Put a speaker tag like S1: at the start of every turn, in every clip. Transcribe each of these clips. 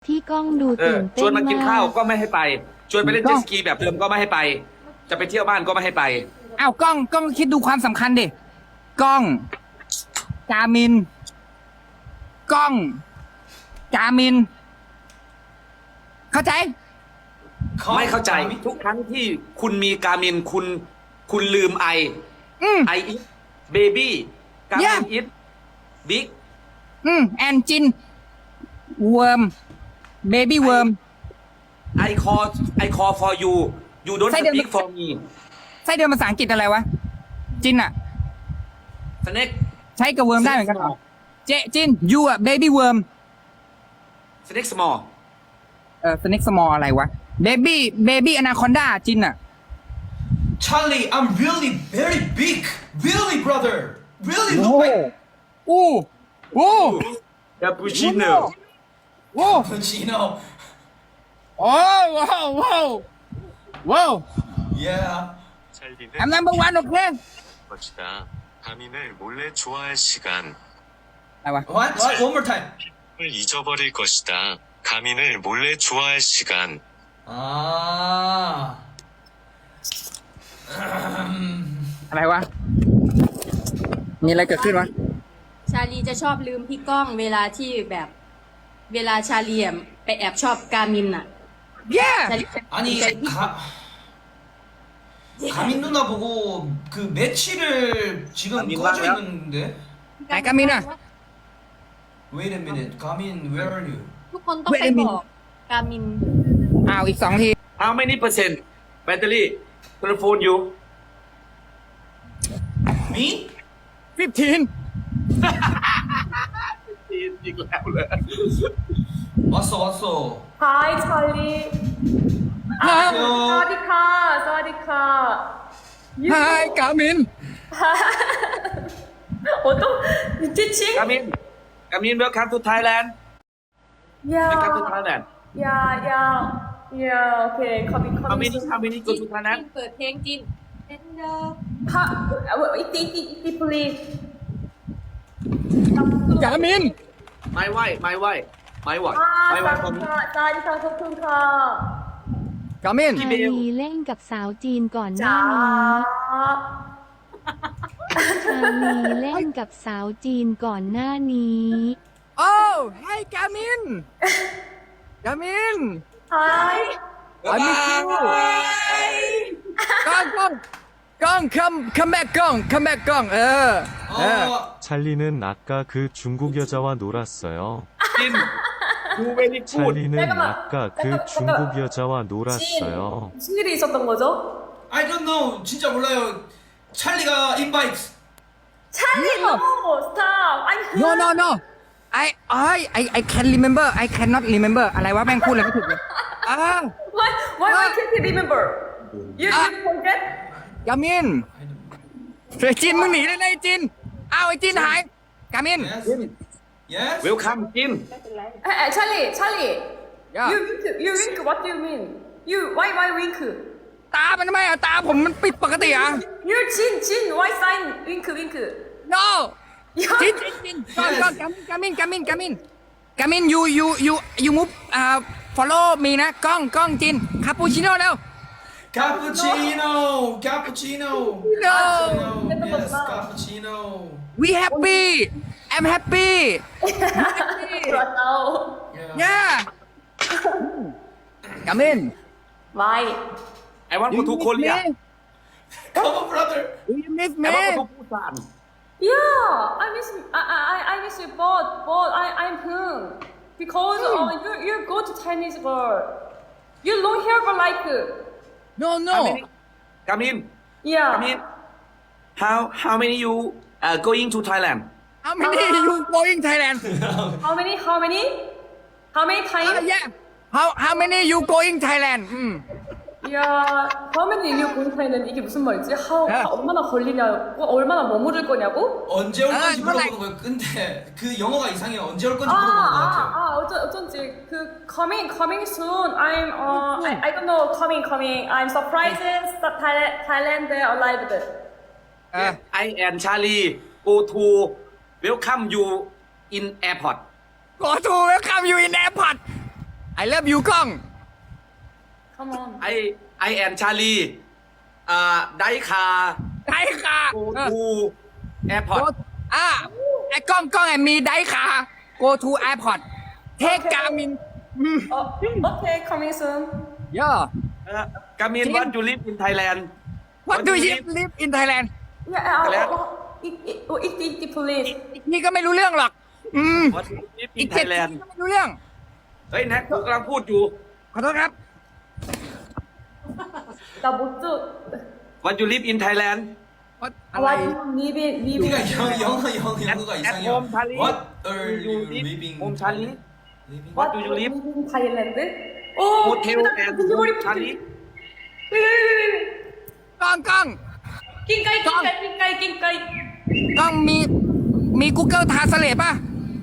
S1: ที่กล้องดูตื่นเต้
S2: ชวน
S1: น
S2: มากิน
S1: มา
S2: ข้าว
S1: ก
S2: ก็ไม่ให้ไปชวนไปเล่นเจ็ตสกีแบบเดิมก็ไม่ให้ไป จะไปเที่ยวบ้านก็ไม่ให้ไป
S3: อ้าวกล้องคิดดูความสำคัญดิกล้องกามินกล้องกามิน เข้าใจ
S2: ไม่เข้าใจทุกครั้งที่คุณมีการมินคุณลืมไอ ไออิทเบบี้การมิน
S3: Yeah
S2: อิทบิ๊ก
S3: แอนจินเวิร์มเบบี้เวิร์ม
S2: I call for you you don't
S3: ใช่เดี๋ยว
S2: speak for me
S3: ไส้เดือนภาษาอังกฤษอะไรวะ จินอะ
S2: snake
S3: ใช้กับเวิร์มได้เหมือนกันเหรอเจจินยูอะเบบี้เวิร์ม
S2: snake small
S3: สเน็กสมอลอะไรวะเบบี้อนาคอนดาจินอะ
S4: Charlie, I'm really very big. Really, brother. Really
S3: โอ้
S4: look like
S3: อู้อู้
S2: cappuccino
S3: โอ้
S4: Pacino.
S3: โอ้ว้าวว้าวว้าว
S4: Yeah.
S5: 찰리는
S3: I'm number one โอเค
S5: 것이다. 가민을 몰래 좋아할 시간.
S3: อะไรวะ
S4: What? One more time.
S5: 을 잊어버릴 것이다. 가민을 몰래 좋아할 시간.
S4: Ah.
S3: อะไรวะ มีอะไรเกิดขึ้นวะ
S6: ชาลีจะชอบลืมพี่ก้องเวลาที่แบบ เวลาชาลีอะไปแอบชอบกามินอ่ะ
S3: yeah
S6: ชาลีจะ
S4: 아니 가민 누나 보고 그 매치를 지금
S2: 가민
S4: 꺼져
S2: 맞아요?
S4: 있는데.
S3: ไหนกามินอะ
S4: Wait a minute. Gamin, where are you?
S6: ทุกคนต้องไปบอกกามิน
S3: อ้าวอีก2 ที
S2: how many percent battery telephone you
S4: Me?
S3: 15
S2: อีกแล้วเลย
S4: 왔어.
S7: Hi, Charlie.
S4: 안녕.
S7: Sawadika, Sawadika. You
S3: ไฮกามิน
S7: 어떤 teaching?
S2: กามิน welcome to Thailand welcome to
S7: Yeah,
S2: Thailand
S7: yeah. Okay, coming.
S2: how many go to Thailand
S6: เปิดเพลงจิน
S7: Iti, please.
S3: กามิน
S2: my wife my wife my wife for me
S7: Sawadika, Sawadika.
S3: กามิน
S1: ชาลีเล่นกับสาวจีนก่อนหน้านี้ ชาลีเล่นกับสาวจีนก่อนหน้านี้
S3: โอ้ให้กามิน กามิน
S7: Hi.
S3: I miss you กล้อง come back กล้อง
S5: 찰리는 아까 그 중국 여자와 놀았어요.
S2: จิน you very good
S5: 찰리는
S7: 잠깐만.
S5: 아까 그 중국 여자와 놀았어요.
S7: 무슨 일이 있었던 거죠?
S4: I don't know. 진짜 몰라요. 찰리가 invite.
S7: Charlie, no, stop. I'm
S3: no no no I can remember I cannot remember อะไรวะแม่งพูดอะไรไม่ถูกเลย
S7: Why can't you remember? You forget?
S3: กามินเฮ้ยจินมึงหนีเลยนะไอ้จินอ้าวไอ้จินหายกามิน
S4: Yes. Yes.
S2: welcome จิน
S7: Charlie.
S3: Yeah.
S7: You wink. What do you mean? Why wink?
S3: ตามันทำไมอ่ะตาผมมันปิดปกติอ่ะ
S7: You Jin. Why sign wink?
S3: no
S7: Yeah.
S3: จินก่อนกามินyou move follow me นะกล้องจินคาปูชิโน่แล้ว
S4: Cappuccino.
S3: No.
S4: Yes, cappuccino.
S3: we happy I'm happy
S7: Now.
S3: yeah กามิน
S7: Why?
S2: I want go to Korea
S4: Come on, brother.
S3: do you miss
S2: I
S3: me
S2: want go to Busan
S7: Yeah. I miss you both. I'm hung because you go to Chinese girl. You long hair but like
S3: no
S2: Kamin
S7: yeah.
S2: Kamin how many you going to Thailand
S3: how many you going Thailand
S7: How many? How many times?
S3: yeah how many you going Thailand
S7: 야, how many you going Thailand 이게 무슨 말이지?
S3: 야.
S7: 얼마나 걸리냐고? 얼마나 머무를 거냐고?
S4: 언제 올 건지
S3: 뭐,
S4: 물어보는 거예요. 근데 그 영어가 이상해. 언제 올 건지 물어보는 것 같아요.
S7: 어쩐지 그 coming soon. I don't know coming. I'm surprised that Thailand arrived.
S2: I and Charlie go to welcome you in airport
S3: go to welcome you in airport I love you กล้อง
S7: Come on.
S2: ไอแอนชาลีไดคา
S3: ได้ค่ะ
S2: โกทูแอร์พอร์ต
S3: ไอ้กล้องไอ้มีได้ค่ะ go to airport take Garmin
S7: Okay, coming soon.
S3: yeah
S2: กามิน
S3: จริง
S2: วัดยูริฟอินไทยแลนด์
S3: what do you live in Thailand
S7: Yeah,
S2: Hello?
S7: please.
S3: นี่ก็ไม่รู้เรื่องหรอก
S2: วัดยูริฟ
S3: อี
S2: อิ
S3: ก
S2: นไท
S3: เจ็ด
S2: ยแลนด์
S3: ก็ไม่รู้เรื่อง
S2: เฮ้ยแน็กกูกำลังพูดอยู่
S3: ขอโทษครับ
S7: 나 못 줘.
S2: วัดยูริฟอินไทยแลนด์
S3: อะไร
S7: What living
S4: 네가 영어가
S2: at
S4: 이상해요.
S2: home Charlie.
S4: What are
S2: you
S4: you
S2: live
S4: living?
S2: home Charlie
S4: Living?
S2: What do you live
S7: living Thailand? 오,
S2: hotel and home Charlie
S3: กล้อง
S7: 낑까이.
S3: กล้องมี Google Translate ป่ะ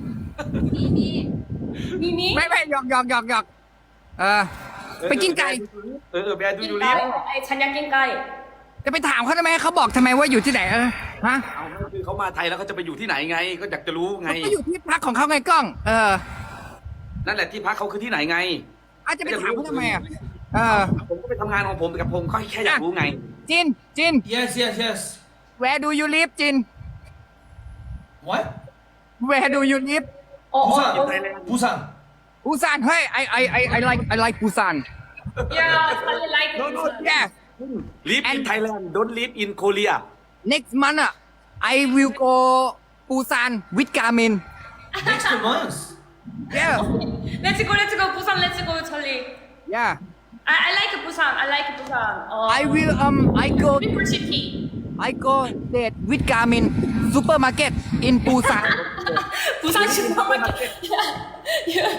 S7: 미미.
S3: ไม่หยอกไปกินไก่
S2: แบร์ดูยูริฟ
S7: 낑까이. 찬양 낑까이.
S3: จะไปถามเขาทำไมเขาบอกทำไมว่าอยู่ที่ไหนฮะ
S2: เอาคือเขามาไทยแล้วเขาจะไปอยู่ที่ไหนไง ก็อยากจะรู้ไง
S3: เขาก็อยู่ที่พักของเขาไงกล้อง
S2: นั่นแหละที่พักเขาคือที่ไหนไง
S3: อาจจะไปถามเขาทำไม
S2: ผมก็ไปทำงานของผมกับผมก็แค่อยากรู้ไง
S3: จิน
S4: Yes.
S3: where do you live จิน
S4: What?
S3: where do you live
S4: 부산. 부산.
S3: ปูซานเฮ้ย I like ปูซาน
S7: Yeah, Charlie like it.
S3: yeah
S2: live in Thailand don't live in Korea
S3: next month I will go ปูซาน with Garmin
S4: Next month.
S3: yeah
S7: Let's go. Busan, let's go, Charlie.
S3: yeah
S7: I like Busan.
S3: I will I go
S7: Beautiful city.
S3: I go date with Garmin supermarket in ปูซาน
S7: 부산 슈퍼마켓. Yeah.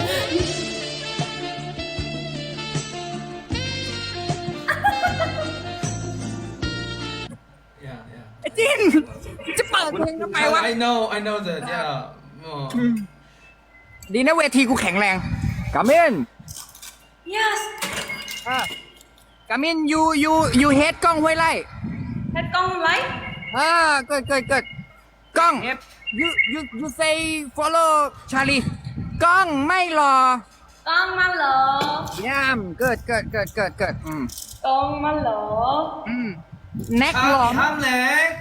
S4: Yeah.
S3: จินจะเปิดเพลงทำไมวะ
S4: I know that. Yeah.
S3: ดีนะเวทีกูแข็งแรง Garmin
S7: Yes.
S3: Garmin you hate กล้องห้วยไร่
S7: 했던 라이?
S3: เกิดกล้อง you say follow Charlie กล้องไม่รอ
S7: 깡말러.
S3: ย่ามเกิด
S7: 깡말러.
S3: แน็กหลอม
S4: 함렉.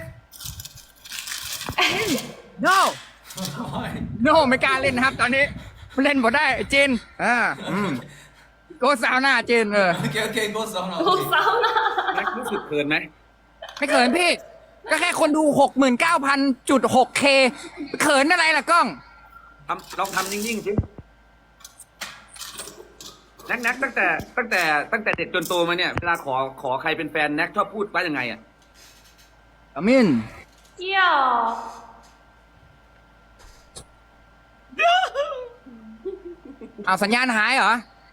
S3: no no ไม่กล้าเล่นนะครับ ตอนนี้เล่นบ่ได้เจนโกสาวหน้าเจน
S4: Okay. Go sauna.
S7: 또
S4: Okay.
S7: 사우나.
S2: แน็กรู้สึกเขินไหม
S3: ไม่เขินพี่ ก็แค่คนดู 69,000.6K เขินอะไรล่ะกล้อง
S2: ลองทำนิ่งๆสิแน็กตั้งแต่เด็กจนโตมาเนี่ยเวลาขอใครเป็นแฟนแน็กชอบพูดว่ายังไงอ่ะ
S3: Garmin
S7: 이야.
S3: เอาสัญญาณหายเหรอ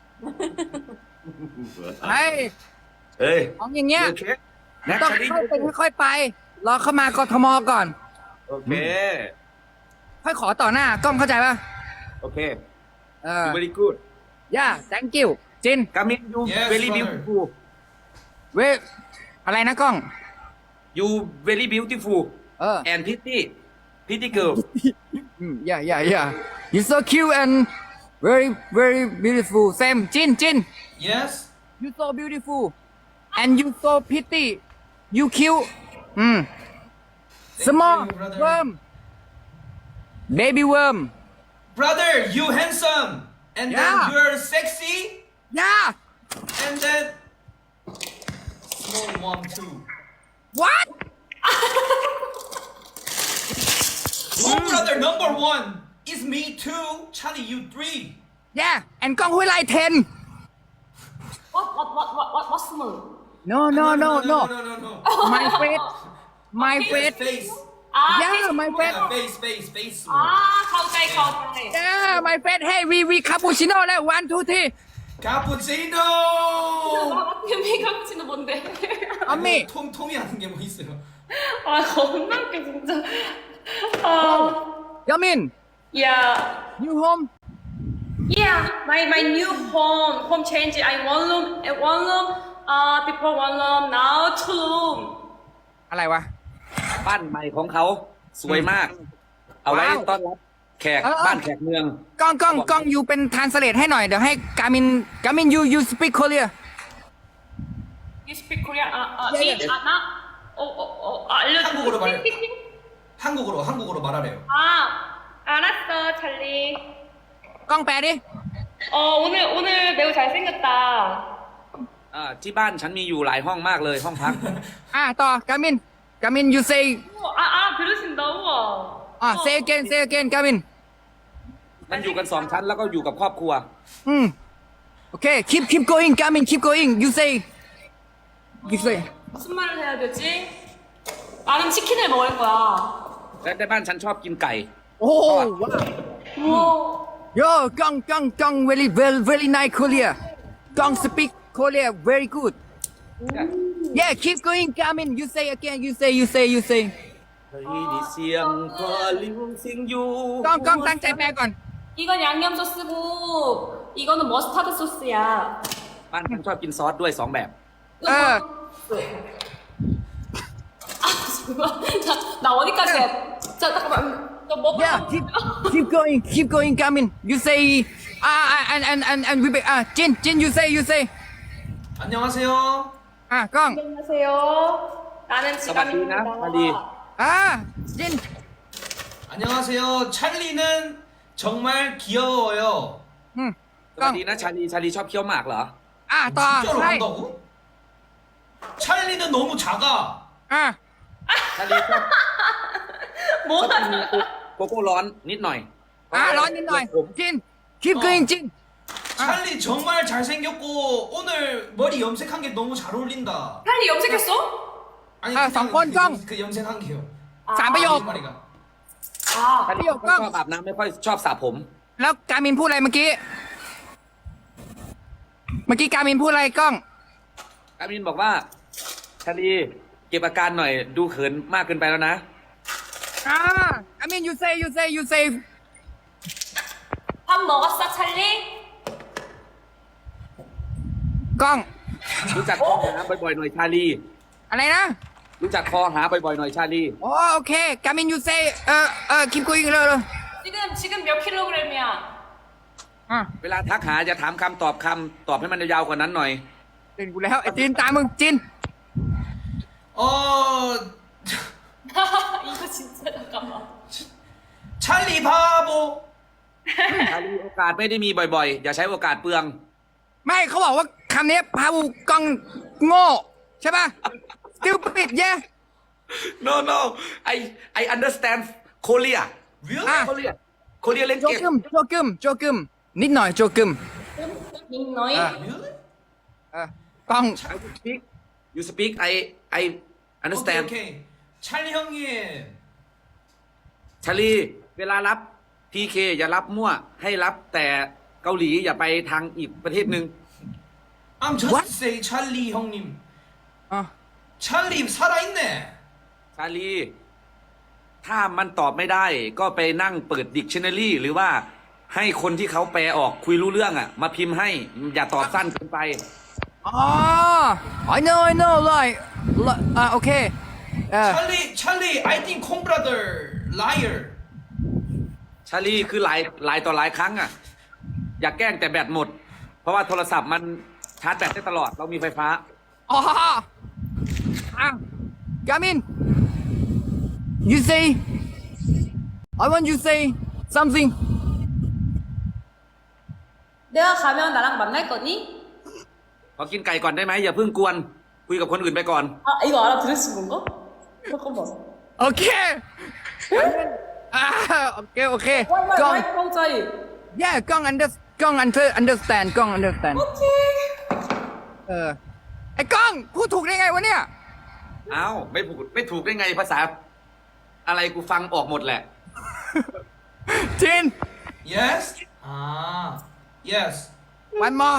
S3: เฮ้ย
S2: เฮ้ย
S3: ของอย่างเงี้ย
S2: เช็คแน็ก
S3: ต้อง
S2: ชาลี
S3: ค่อยเป็นค่อยไป รอเข้ามากทมก่อน
S2: โอเค
S3: ค่อยขอต่อหน้ากล้องเข้าใจป่ะ
S2: โอเค very
S3: อ
S2: good
S3: yeah thank you จิน
S2: กามิน you
S4: Yes,
S2: very
S4: brother.
S2: beautiful
S3: เวอะไรนะกล้อง
S2: you very beautiful
S3: เออ
S2: and pretty girl
S3: yeah you so cute and very beautiful same จิน
S4: Yes.
S3: you so beautiful and you so pretty you cute small
S4: you, brother.
S3: worm baby worm
S4: Brother, you handsome. And
S3: Yeah.
S4: then you're sexy.
S3: yeah
S4: And then small one too.
S3: what
S4: Oh, brother, number one is me too. Charlie, you three.
S3: yeah and กล้องห้วยไร่10
S7: What's more?
S3: no
S4: No.
S3: my face my face
S4: Face.
S7: 아,
S3: yeah my face
S4: Face.
S7: 아, 가오짜이.
S3: yeah my face hey we cappuccino แล้ว 1 2 3
S4: Cappuccino.
S7: 메이크업치는 뭔데?
S3: 언니
S4: 톰이 하는 게 뭐 있어요?
S7: 아, 겁나 웃겨, 진짜. 아,
S3: Yamin
S7: yeah.
S3: you home
S7: Yeah, my new home change. I one room, before one room, now two room.
S3: อะไรวะ
S2: บ้านใหม่ของเขาสวยมาก เอาไว้
S3: ว้าว
S2: ต้อนรับแขกบ้านแขกเมือง
S3: กล้องยูเป็นทรานสเลทให้หน่อยเดี๋ยวให้กามินยูสปีกโคเรีย
S7: You speak Korean?
S3: Yeah, yeah.
S7: 나? 알려줘.
S4: 한국어로 말해. 한국어로 말하래요.
S7: 알았어, 찰리.
S3: กล้องแปลดิ
S7: 오늘 매우 잘생겼다.
S2: ที่บ้านฉันมีอยู่หลายห้องมากเลยห้องพัก
S3: ต่อกามิน you say
S7: 들으신다, 우와.
S3: say again กามิน
S2: มันอยู่กัน2 ชั้นแล้วก็อยู่กับครอบครัว
S3: โอเค keep going กามิน keep going you say
S7: 무슨 말을 해야 되지? 나는 치킨을 먹을 거야.
S2: และในบ้านฉันชอบกินไก่
S3: โอ้ว้าว
S7: 우와.
S3: yo กล้อง very nice Korea กล้อง speak Korea very good yeah keep going กามิน you say again you say
S2: เฮ้ยนี่เสียงพอลิวซิงอยู่
S3: กล้องตั้งใจแปลก่อน
S7: 이건 양념 소스고 이거는 머스타드 소스야.
S2: บ้านฉันชอบกินซอสด้วย2 แบบ
S7: 잠깐만. 나 어디까지 해? 자, 잠깐만. 너 뭐?
S3: yeah keep going กามิน you say and we Jin you say
S4: 안녕하세요.
S3: กล้อง
S7: 안녕하세요. 나는
S2: 지감입니다.
S3: Jin
S4: 안녕하세요. 찰리는 정말 귀여워요.
S2: สวัสดีนะชาลีชอบเคี้ยวหมากเหรอ
S3: ต่อ
S4: 진짜로
S3: ใช่
S4: 한다고? 찰리는 너무 작아.
S2: ชาลีชอบ
S7: 뭐가
S2: โกโก้ร้อนนิดหน่อย
S3: ร้อนนิดหน่อย Jin keep going Jin
S4: 찰리 정말 잘생겼고 오늘 머리 염색한 게 너무 잘 어울린다.
S7: 빨리 염색했어?
S4: 아니
S3: 성권 정.
S4: 그 염색한 게요.
S3: 3 ประโยค
S4: 거짓말이가.
S2: ชาลีไม่ชอบอาบน้ำไม่ค่อยชอบสระผม
S3: แล้วกามินพูดอะไรเมื่อกี้กามินพูดอะไรกล้อง
S2: กามินบอกว่าชาลีเก็บอาการหน่อยดูเขินมากเกินไปแล้วนะ
S3: กามิน you say
S7: 밥 먹었어, 찰리?
S3: กล้อง
S2: รู้จักคอหาบ่อยๆหน่อยชาลี
S3: อะไรนะ
S2: รู้จักคอหาบ่อยๆหน่อยชาลี
S3: โอเคกามิน you say keep going เลย
S7: 지금 몇 킬로그램이야?
S2: เวลาทักหาจะถามคำตอบให้มันยาวๆกว่านั้นหน่อย
S3: เล่นกูแล้วไอ้จินตามมึงจิน
S7: 이거 진짜 잠깐만.
S4: 찰리 바보.
S2: ชาลีโอกาสไม่ได้มีบ่อยๆ อย่าใช้โอกาสเปลือง
S3: ไม่เขาบอกว่าคำนี้พาวูกล้องโง่ใช่ป่ะ stupid yeah
S2: no I understand Korea
S4: Really?
S2: Korea เล่น
S3: โจ
S2: เก่ง
S3: กึมนิดหน่อยโจกึม
S7: 닉너이?
S4: Really?
S3: กล้อง
S2: you speak I understand
S4: 오케이. 찰리 형님.
S2: ชาลีเวลารับ PK อย่ารับมั่ว ให้รับแต่เกาหลีอย่าไปทางอีกประเทศหนึ่ง
S4: I'm just
S3: What?
S4: say 찰리 형님.
S3: อ่ะ
S4: 찰리 살아있네.
S2: ชาลี ถ้ามันตอบไม่ได้ ก็ไปนั่งเปิด Dictionary หรือว่าให้คนที่เขาแปลออกคุยรู้เรื่องมาพิมพ์ให้ อย่าตอบสั้นเกินไป
S3: I know like โอเค
S4: 찰리 I think 콩 brother liar.
S2: ชาลีคือหลายต่อหลายครั้งอย่าแกล้งแต่แบตหมด เพราะว่าโทรศัพท์มันชาร์จแบตได้ตลอด เรามีไฟฟ้า
S3: กามิน you say I want you say something
S7: 내가 가면 나랑 만날 거니?
S2: ขอกินไก่ก่อนได้ไหมอย่าเพิ่งกวน คุยกับคนอื่นไปก่อน
S7: 이거 알아들으신 건가? 잠깐만.
S3: โอเคโอเคกล้อง
S7: 화이트 왕자이.
S3: yeah กล้อง understand กล้อง understand
S7: 오케이.
S3: ไอ้กล้องพูดถูกได้ไงวะเนี่ย
S2: อ้าวไม่ถูกได้ไงภาษา อะไรกูฟังออกหมดแหละ
S3: จิน
S4: Yes? Yes.
S3: one more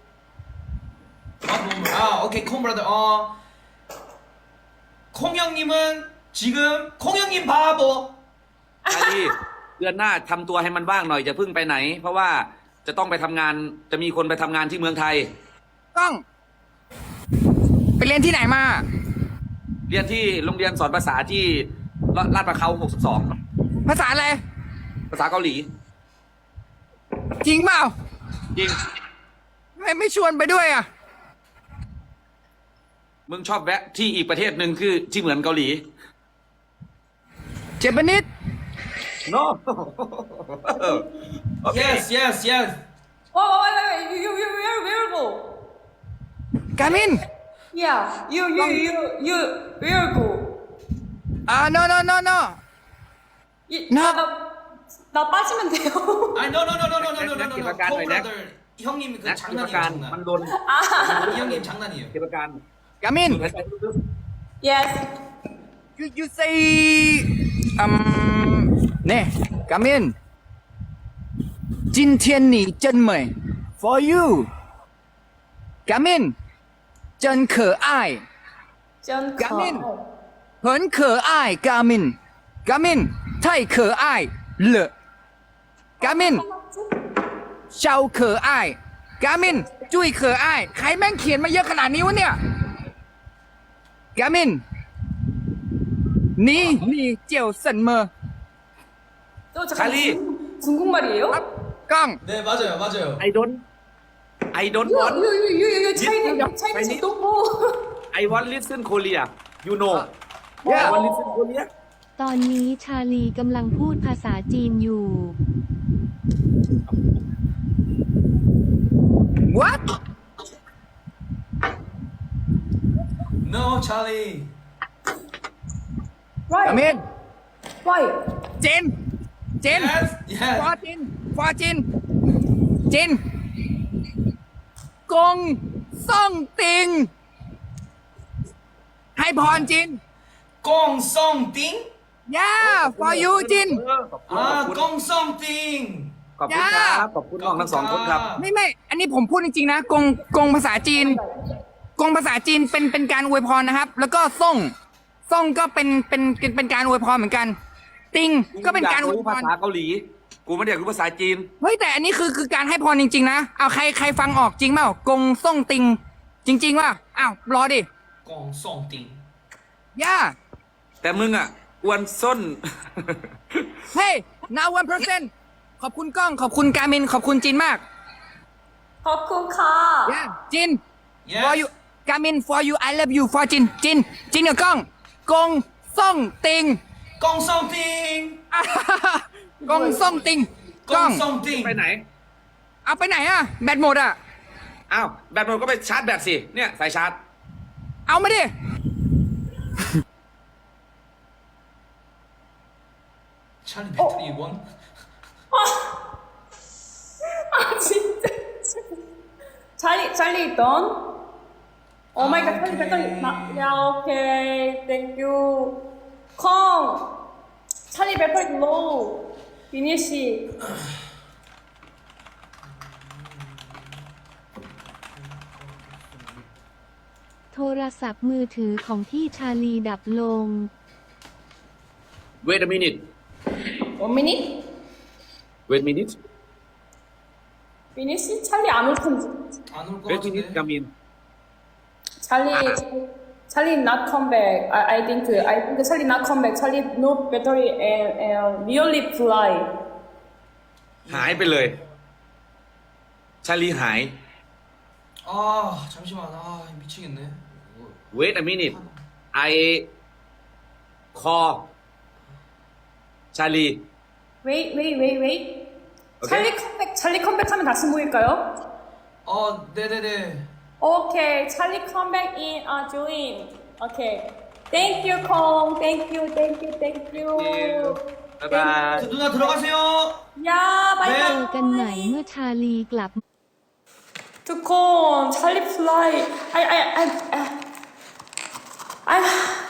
S4: 오케이 콩 브라더. 콩 형님은 지금 콩 형님 바보.
S2: ชาลีเดือนหน้าทำตัวให้มันว่างหน่อยอย่าเพิ่งไปไหน เพราะว่าจะต้องไปทำงานจะมีคนไปทำงานที่เมืองไทย
S3: กล้อง ไปเรียนที่ไหนมา
S2: เรียนที่โรงเรียนสอนภาษาที่ลาดประเขา62
S3: ภาษาอะไร
S2: ภาษาเกาหลี
S3: จริงเปล่า
S2: จริง
S3: ไม่ชวนไปด้วยอ่ะ
S2: มึงชอบแวะที่อีกประเทศหนึ่งคือที่เหมือนเกาหลี
S3: เจแปนิส
S2: no
S4: Yes, yes, yes.
S7: Wait. You where go?
S3: กามิน
S7: Yeah. You where go?
S3: no
S7: 나 빠지면 돼요.
S4: I no.
S2: 기사관
S4: 코
S2: 왜
S4: 브라더 형님 그
S2: นะกิจ
S4: 장난이에요
S2: การ
S4: 장난.
S2: มันโดน
S4: 이 형님 장난이에요.
S2: กิจการ
S3: กามิน
S7: Yes.
S3: you say เนี่ยกามิน今天你真美 for you กามิน真可爱
S7: 전
S3: 가민. 很可爱กามินกามิน太可爱了กามิน超可爱กามินจุ้ย可爱ใครแม่งเขียนมาเยอะขนาดนี้วะเนี่ยกามิน你叫什么
S7: 또 잠깐
S2: 찰리.
S7: 중국말이에요?
S3: กล้อง
S4: 네 맞아요.
S2: I don't want
S7: You Chinese don't know.
S2: I want listen Korea you know
S3: Yeah.
S2: I want listen Korea
S1: ตอนนี้ชาลีกำลังพูดภาษาจีนอยู่
S3: what
S4: No Charlie.
S3: กา
S7: Why?
S3: มิน
S7: Why?
S3: เจน
S4: Yes, yes.
S3: ฟอจินจินกงซ่องติง ให้พรจิน
S4: 꽁송띵.
S3: yeah for you จิน
S4: 아 꽁송띵.
S2: ขอบคุณครับขอบคุณน้องทั้งสองคนครับ
S3: ไม่อันนี้ผมพูดจริงๆนะกงภาษาจีนกงภาษาจีนเป็นการอวยพรนะครับ แล้วก็ซ่งก็เป็นการอวยพรเหมือนกัน ติงก็เป็นการอวย
S2: รู้
S3: พ
S2: ภาร ษาเกาหลี กูไม่ได้อยากรู้ภาษาจีน
S3: เฮ้ยแต่อันนี้คือการให้พรจริงๆนะเอาใครฟังออกจริงเปล่ากงซ่งติง จริงๆว่าอ้าวรอดิ
S4: 꽁송띵.
S3: ย่า
S2: แต่มึงอ่ะอ้วนส้น
S3: เฮ้ย now 1% ขอบคุณกล้องขอบคุณการมินขอบคุณจินมาก
S7: 허쿤카.
S3: ย่าจิน
S4: Yes.
S3: for you การมิน for you I love you for จินกับกล้องกงซ่งติง
S4: 꽁송띵.
S3: กงซ่งติงกล้อง
S4: 꽁송띵.
S2: ไปไหน
S3: เอาไปไหนอะแบตหมดอะ
S2: อ้าวแบตหมดก็ไปชาร์จแบตสิ เนี่ยสายชาร์จ
S3: เอามาดิ
S4: 찰리 배터리 원.
S7: 아 진짜. 찰리 있던. 오 마이 갓 찰리 배터리. 야 오케이. 땡큐. 콩. 찰리 배터리 로우. 비니 씨.
S1: โทรศัพท์มือถือของพี่ชาลีดับลง
S2: Wait a minute
S7: 원 미닛?
S2: Wait a minute
S7: 비니 씨 찰리 안 올 텐데.
S4: 안올것
S2: Wait a minute
S4: 같은데.
S2: 가민
S7: 찰리 not come back. I think 찰리 not come back. 찰리 no battery and really fly.
S2: หายไปเลย ชาลีหาย
S4: 아 잠시만. 아 미치겠네.
S2: Wait a minute I call ชาลี
S7: Wait.
S2: Okay.
S7: 찰리 컴백하면 다시 모일까요?
S4: 네네네.
S7: Okay, 찰리 컴백 in join. Okay. Thank you, Kong. Thank you.
S2: 바이바이
S4: 그 누나 들어가세요.
S7: 야,
S1: เจ
S7: 바이바이.
S1: อกันใหม่เมื่อชาลีกลับ
S7: 두콘, 찰리 플라이. I